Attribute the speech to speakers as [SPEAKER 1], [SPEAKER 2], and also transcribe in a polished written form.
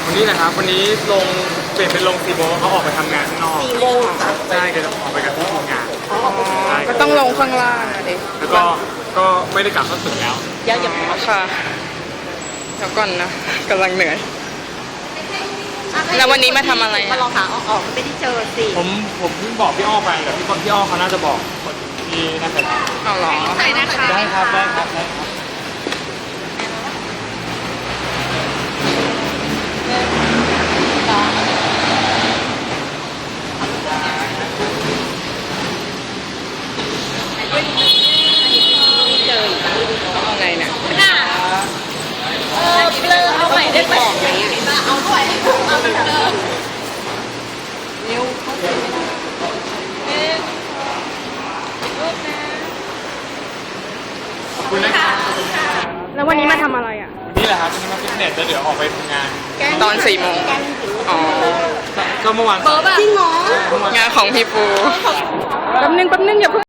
[SPEAKER 1] วันนี้นะครับวันนี้ลงเปลี่ยนเป็นลง4 โมงเขาออกไปทำงานข้างนอก
[SPEAKER 2] 4 โมงค่ะ
[SPEAKER 1] ใช่ก็จะออกไปกับที่ทำงานใช่
[SPEAKER 2] ก็ต้องลงข้างล่างอะดิ
[SPEAKER 1] แล้วก็ไม่ได้กลับเข้าตึกแล้ว
[SPEAKER 2] อย่าค่ะเดี๋ยวก่อนนะกำลังเหนื่อย แล้ววันนี้มาทำอะไรอะ
[SPEAKER 3] มาลองหาออกไม่ได้เจอสิ
[SPEAKER 1] ผมเพิ่งบอกพี่อ้อไปแต่พี่อ้อเขาน่าจะบอกคนที่น่าจะ
[SPEAKER 2] เอาเหรอ
[SPEAKER 3] ใส่นะคะ
[SPEAKER 1] ได้ครับได้ครับ
[SPEAKER 2] ต้องเอาไงเนี่ย
[SPEAKER 3] เบลอเอาใหม่ได้ไหมเอาด้วยเอาเหมือนเดิม
[SPEAKER 1] ขอบคุณนะครับ
[SPEAKER 2] แล้ววันนี้มาทำอะไรอ่ะ
[SPEAKER 1] นี่แหละครับวันนี้มาฟิตเนสแล้วเดี๋ยวออกไปทำงาน
[SPEAKER 2] ตอน4 โมงอ๋อ
[SPEAKER 1] ก็เมื่อวาน
[SPEAKER 3] จริงเหรอ
[SPEAKER 2] งานของพี่ปูแป๊บนึงอย่าเพิ่ง